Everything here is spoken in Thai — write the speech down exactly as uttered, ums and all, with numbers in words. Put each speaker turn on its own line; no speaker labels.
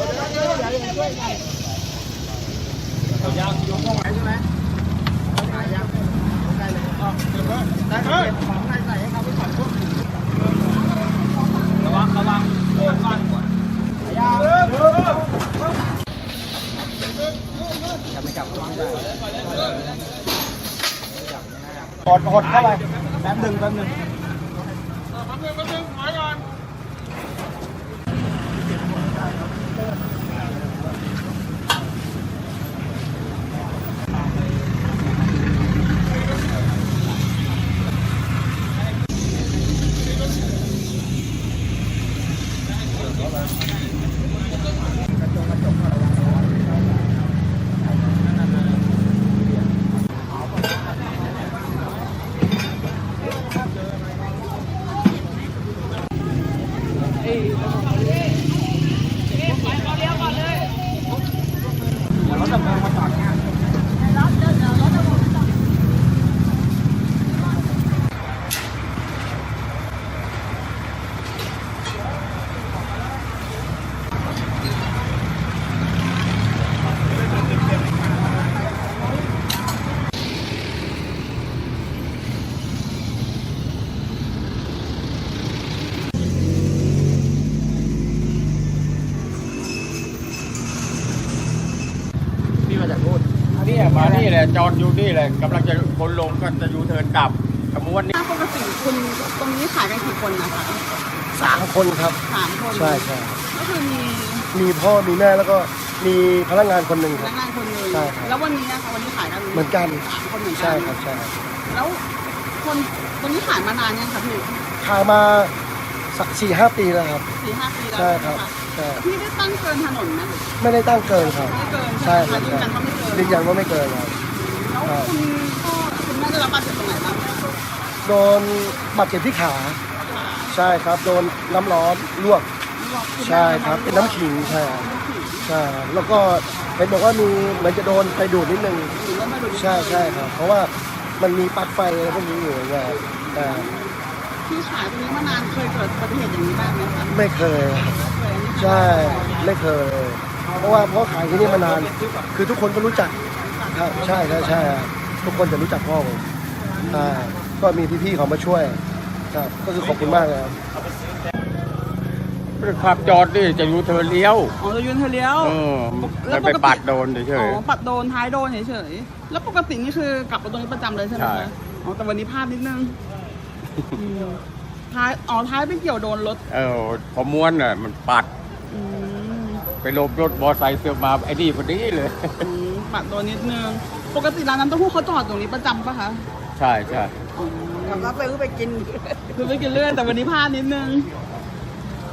ยาวโยงตรงไหนใช่ไหมได้ยังได้เลยอ๋อเดี๋ยวได้เก็บของใส่ใส่ให้เขาไปก่อนพวกระวังระวังก้อนก่อนยาวจะไม่จับระวังด้วยหดหดเข้าไปแป๊บหนึ่งแป๊บหนึ่งแป๊บหนึ่งแป๊บหนึ่งถอยก่อนนี่มานี่แหละจอดอยู่นี่แหละกำลังจะคนลงก็จะยูเทิร์นกลับขบวนนี้
ปกติคุณตรงนี้ขายกันกี่คนนะคะ
สามคนครับ
สามคน
ใช่ใช่
ก็คือมี
มีพ่อมีแม่แล้วก็มีพนักงานคนหนึ่ง
พ
ครับ
นักงานคนหนึ่ง
ใช่ครับ
แล้ววันนี้นะคะวันนี้ขายกัน
เหมือนกัน
สามคนเหมือนกัน
ใช่ครับใช่
แล้วคนตรงนี้ขายมานานยังคะพี่
ขายมาสี่ห้าปีแล้วครับ
สี่ห้าปีแล้ว
ใช่ครับใช่
พี่ได้ตั้งเกินถนนไหม
ไม่ได้ตั้งเกินครับ
ไม่เกิน
ใช่ครับ
ยืนยันว่าไม่เกิน
ยืนยันว่าไม่เกินครับ
แล้วคุณพ่อคุณแม่ได้รับบาดเจ็บตรงไหนบ้าง
โดนบาดเจ็บที่ขาใช่ครับโดนน้ำร้อนลวกใช่ครับเป็นน้ำขิงใช่ใช่แล้วก็เห็นบอกว่ามีเหมือนจะโดนไฟดูดนิดนึงใช่ใช่ครับเพราะว่ามันมีปลั๊กไฟอะไรพวกนี้อยู่ไงแต่
ที่ขายตรงนี้มานานเคยเกิดอุบัติเหตุอย่างนี้บ้างไหมคะ
ไม่เคยใช่ไม่เคยเพราะว่าเพราะขายที่นี่มานานคือทุกคนก็รู้จักครับใช่ใช่ใช่ทุกคนจะรู้จักพ่อผมอ่าก็มีพี่ๆเขามาช่วยครับก็คือขอบคุณมากเลยครับ
ขับจอดดิจะยูเทิร์นเลี้ยว
อ๋อจะยูเทิร์นเลี้ยว
แล้วไปปัดโดนเฉย
อ๋อปัดโดนท้ายโดนเฉยๆแล้วปกตินี่คือกลับมาตรงนี้ประจำเลยใช่ไหมคะอ๋อแต่วันนี้พลาดนิดนึงท้ายอ๋อท้ายไปเกี่ยวโดนรถ
เออพอม้วนอ่ะมันปัดไปลบรถมอไซค์เสือมาไอ้นี่พอดีเลย
ปัดโดนนิดนึงปกติร้านน้ำเต้าหู้เขาจอดตรงนี้ประจำปะคะ
ใช่ใช่
ทำรับไปคือไปกินคือไปกินเรื่อยแต่วันนี้พลาดนิดนึง